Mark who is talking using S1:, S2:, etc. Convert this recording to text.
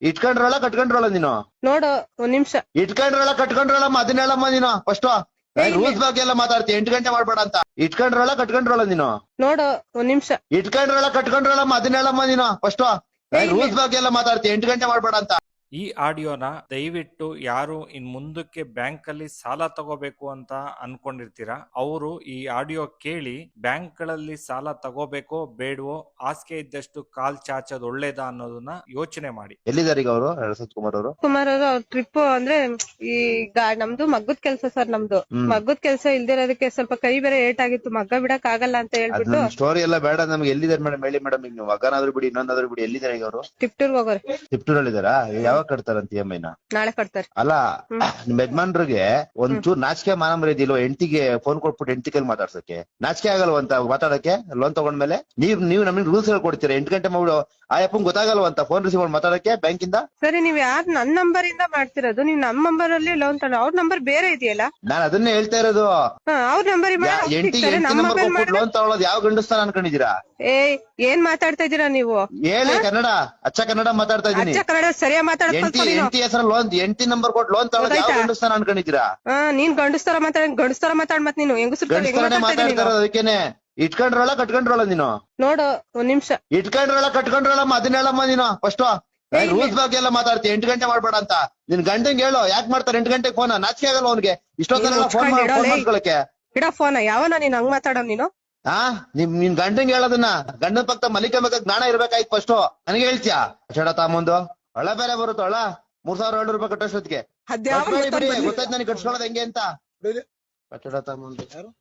S1: ಇಟ್ಕೊಂಡ್ರಲ್ಲ ಕಟ್ಕೊಂಡ್ರಲ್ಲ ನೀನು
S2: ನೋಡು ಒಂದ್ ನಿಮಿಷ.
S1: ಇಟ್ಕೊಂಡ್ರಲ್ಲ ಕಟ್ಕೊಂಡ್ರಲ್ಲಮ್ಮ ಅದನ್ನ ಹೇಳಮ್ಮ ನೀನು ಫಸ್ಟ್ ರೂಲ್ಸ್ ಬಗ್ಗೆ ಎಲ್ಲ ಮಾತಾಡ್ತಿ 8 ಗಂಟೆ ಮಾಡ್ಬೇಡ ಅಂತ. ಇಟ್ಕೊಂಡ್ರಲ್ಲ ಕಟ್ಕೊಂಡ್ರಲ್ಲ ನೀನು
S2: ನೋಡು ಒಂದ್ ನಿಮಿಷ.
S1: ಇಟ್ಕೊಂಡ್ರಲ್ಲ ಕಟ್ಕೊಂಡ್ರಲ್ಲಮ್ಮ ಅದನ್ನ ಹೇಳಮ್ಮ ನೀನು ಫಸ್ಟ್ ರೂಲ್ಸ್ ಬಗ್ಗೆ ಎಲ್ಲ ಮಾತಾಡ್ತಿ 8 ಗಂಟೆ ಮಾಡ್ಬೇಡ ಅಂತ.
S3: ಈ ಆಡಿಯೋನ ದಯವಿಟ್ಟು ಯಾರು ಇನ್ ಮುಂದಕ್ಕೆ ಬ್ಯಾಂಕ್ ಅಲ್ಲಿ ಸಾಲ ತಗೋಬೇಕು ಅಂತ ಅನ್ಕೊಂಡಿರ್ತೀರಾ ಅವರು ಈ ಆಡಿಯೋ ಕೇಳಿ ಬ್ಯಾಂಕ್ ಗಳಲ್ಲಿ ಸಾಲ ತಗೋಬೇಕೋ ಬೇಡವೋ, ಹಾಸಿಗೆ ಇದ್ದಷ್ಟು ಕಾಲ್ ಚಾಚೋದು ಒಳ್ಳೇದಾ ಅನ್ನೋದನ್ನ ಯೋಚನೆ ಮಾಡಿ.
S1: ಎಲ್ಲಿದ್ದಾರೆ ಈಗ ಅವರು ಅರಸತ್ ಕುಮಾರ್ ಅವರು?
S2: ಕುಮಾರ್ ಅವರು ಟ್ರಿಪ್ ಅಂದ್ರೆ ಈಗ ನಮ್ದು ಮಗ್ಗದ ಕೆಲ್ಸ ಸರ್. ನಮ್ದು ಮಗ್ಗದ ಕೆಲ್ಸ ಇಲ್ದಿರೋದಕ್ಕೆ ಸ್ವಲ್ಪ ಕೈ ಬೇರೆ ಏಟ್ ಆಗಿತ್ತು. ಮಗ್ಗ ಬಿಡಕ್ ಆಗಲ್ಲ ಅಂತ ಹೇಳ್ಬಿಟ್ಟು
S1: ಸ್ಟೋರಿ ಎಲ್ಲ ಬೇಡ ನಮ್ಗೆ. ಎಲ್ಲಿದ್ದಾರೆ ಮೇಡಮ್ ಹೇಳಿ ಮೇಡಮ್. ಈಗ ನೀವು ಮಗನಾದ್ರು ಬಿಡಿ ಇನ್ನೊಂದಾದ್ರು ಬಿಡಿ, ಎಲ್ಲಿದ್ದಾರೆ ಈಗ ಅವರು?
S2: ಟಿಪ್ಟೂರ್ಗೆ ಹೋಗೋರು.
S1: ಟಿಪ್ಟೂರಲ್ಲಿ ಇದಾರಾ? ಯಾವಾಗ ಕಟ್ತಾರಂತ EMI ನ?
S2: ನಾಳೆ ಕಟ್ತಾರೆ.
S1: ಅಲ್ಲ ನಿಮ್ ಯಜಮಾನ್ರಿಗೆ ಒಂಚೂರು ನಾಚಿಕೆ ಮಾನ ಮರ್ಯಾದಿಲ್ವ? ಹೆಂಡತಿಗೆ ಫೋನ್ ಕೊಟ್ಬಿಟ್ಟು ಹೆಂಡತಿ ಕೈಲಿ ಮಾತಾಡ್ಸಕ್ಕೆ ನಾಚಿಕೆ ಆಗಲ್ವಂತ ಮಾತಾಡಕ್ಕೆ? ಲೋನ್ ತಗೊಂಡ್ಮೇಲೆ ನೀವು ನಮಗೆ ರೂಲ್ಸ್ ಹೇಳ್ಕೊಡ್ತೀರಾ 8 ಗಂಟೆ ಮಾಡ್ಬಿಡು. ಆ ಅಪ್ಪಂಗ್ ಗೊತ್ತಾಗಲ್ವಂತ ಫೋನ್ ರಿಸೀವ್ ಮಾಡಿ ಮಾತಾಡಕ್ಕೆ ಬ್ಯಾಂಕಿಂದ?
S2: ಸರಿ, ನೀವ್ ಯಾರು ನನ್ ನಂಬರ್ ಇಂದ ಮಾಡ್ತಿರೋದು? ನೀವ್ ನಮ್ ನಂಬರ್ ಅಲ್ಲಿ ಲೋನ್ ತಗೊಂಡು ಅವ್ರ ನಂಬರ್ ಬೇರೆ ಇದೆಯಲ್ಲ?
S1: ನಾನ್ ಅದನ್ನೇ ಹೇಳ್ತಾ ಇರೋದು.
S2: ಅವ್ರ ನಂಬರ್
S1: ಹೆಂಡತಿ ನಂಬರ್ ಕೊಟ್ಬಿಟ್ಟು ಲೋನ್ ತಗೊಳ್ಳೋದು ಯಾವ ಗಂಡಸ್ತಾನ ಅನ್ಕೊಂಡಿದೀರಾ?
S2: ಏನ್ ಮಾತಾಡ್ತಾ ಇದೀರಾ ನೀವು?
S1: ಹೇಳಿ ಕನ್ನಡ, ಅಚ್ಚ ಕನ್ನಡ ಮಾತಾಡ್ತಾ ಇದೀನಿ.
S2: ಕನ್ನಡ ಸರಿಯಾಗಿ ಮಾತಾಡ್ತಾ
S1: ಹೆಂಡತಿ ಹೆಸರು ಲೋನ್, ಹೆಂಡತಿ ನಂಬರ್ ಕೊಟ್ಟು ಲೋನ್ ತಗೊಳ್ಳೋದು ಯಾವ ಗಂಡಸ್ತಾನ ಅನ್ಕೊಂಡಿದೀರಾ?
S2: ನೀನ್ ಗಂಡಸ್ತರ ಮಾತಾಡ್ ಮತ್ ನೀನು
S1: ಗಂಡಸ್ತಾನೆ ಮಾತಾಡ್ತಾ ಇರೋದು. ಅದಕ್ಕೇನೆ ಇಟ್ಕೊಂಡ್ರಲ್ಲ ಕಟ್ಕೊಂಡ್ರಲ್ಲ ನೀನು?
S2: ನೋಡು ಒಂದ್ ನಿಮಿಷ.
S1: ಇಟ್ಕೊಂಡ್ರಲ್ಲ ಕಟ್ಕೊಂಡ್ರಲ್ಲಮ್ಮ ಅದನ್ನ ಹೇಳಮ್ಮ ನೀನು ಫಸ್ಟ್ ರೂಲ್ಸ್ ಬಗ್ಗೆ ಎಲ್ಲ ಮಾತಾಡ್ತಿ 8 ಗಂಟೆ ಮಾಡ್ಬೇಡ ಅಂತ. ನಿನ್ ಗಂಟಂಗ್ ಹೇಳು ಯಾಕೆ ಮಾಡ್ತಾರೆ 8 ಗಂಟೆಗೆ ಫೋನ್? ನಾಚಿಕೆ ಆಗಲ್ಲ ಅವ್ನಿಗೆ ಇಷ್ಟೊತ್ತಲ್ಲ ಫೋನ್ ಮಾಡ್ಕೊಳಕ್ಕೆ?
S2: ಇಡ ಫೋನ್. ಯಾವನ ನೀನ್ ಹಂಗ್ ಮಾತಾಡೋ ನೀನು?
S1: ನಿನ್ ಗಂಟಂಗ್ ಹೇಳೋದನ್ನ ಗಂಡನ ಪಕ್ಕ ಮಲಿಕಬೇಕ ಜ್ಞಾನ ಇರ್ಬೇಕಾಯ್ತು ಫಸ್ಟ್. ನನಗೆ ಹೇಳ್ತೀಯಾ ಚಡ ತಾಮಂದು ಒಳ ಬೇರೆ ಬರುತ್ತ ಒಳ 3700 ರೂಪಾಯಿ ಕಟ್ಟೋಷ್ಟೊತ್ತಿಗೆ ಗೊತ್ತಾಯ್ತು ನನಗೆ ಕಟ್ಸ್ಕೊಳ್ಳೋದು ಹೆಂಗೆ ಅಂತ. ಕಟ್ಟಡ ತಾಮಂದು